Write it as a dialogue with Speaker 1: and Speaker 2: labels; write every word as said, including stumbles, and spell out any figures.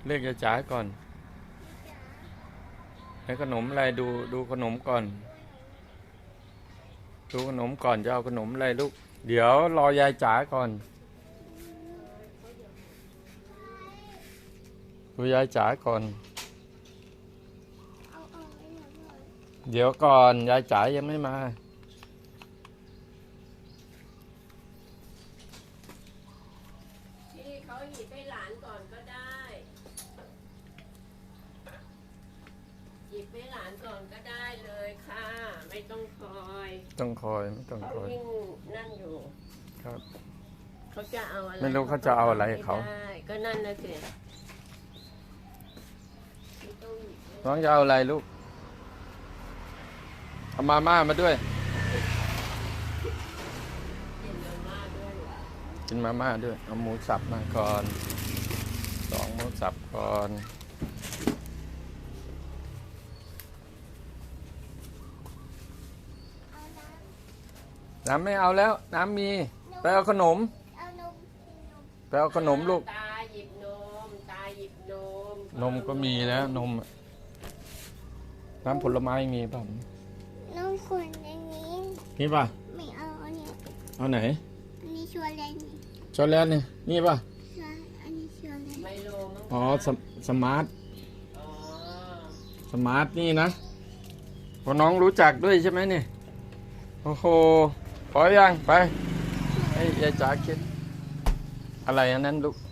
Speaker 1: เรียกยายจ๋าก่อนให้ขนมอะไรดูดูขนมก่อนดูขนมก่อนจะเอาขนมอะไรลูกเดี๋ยวรอยายจ๋าก่อนดูยายจ๋าก่อนเดี๋ยวก่อนยายจ๋ายังไม่มา
Speaker 2: ที่เขาหยิบให้หลานก่อนก็ได้หยิบให้หลานก่อนก็ได้เลยค่ะไม่ต้องคอย
Speaker 1: ต้องคอยไม่ต้องคอย
Speaker 2: ยิ่งนั่นอยู่
Speaker 1: ครับ
Speaker 2: เขาจะเอาอะไร
Speaker 1: ไม่รู้เขาจะเอาอะไรเขา
Speaker 2: ได้ก็นั่นนะสิ
Speaker 1: น้องจะเอาอะไรลูกเอามาม่ามาด้วยกินมาม่าด้วยเอาหมูสับมาก่อนสองหมูสับก่อนน้ำไม่เอาแล้วน้ำมีไปเอาขนมไปเอาขนมลูก
Speaker 2: ตาหยิบนมตาหยิบนม
Speaker 1: นมก็มีแล้วนมน้ำผลไม้มีป่ะ
Speaker 3: น้องคนอันนี้
Speaker 1: นี่ป่ะ
Speaker 3: ไม่เอาอันนี้
Speaker 1: เอาไหน
Speaker 3: อันนี้ชัวร์เลยนี่
Speaker 1: ช็อกโกแลตนี่นี่ป่ะ
Speaker 3: ใช่อันนี้ชัวร์เลย
Speaker 2: ไมโลมั้ง
Speaker 1: อ๋อสมสมาร์ท
Speaker 2: อ๋อ
Speaker 1: สมาร์ทนี่นะพอน้องรู้จักด้วยใช่ไหมนี่โอ้โหพอยังไปให้ยายจ๋าคิดอะไรอันนั้นลูก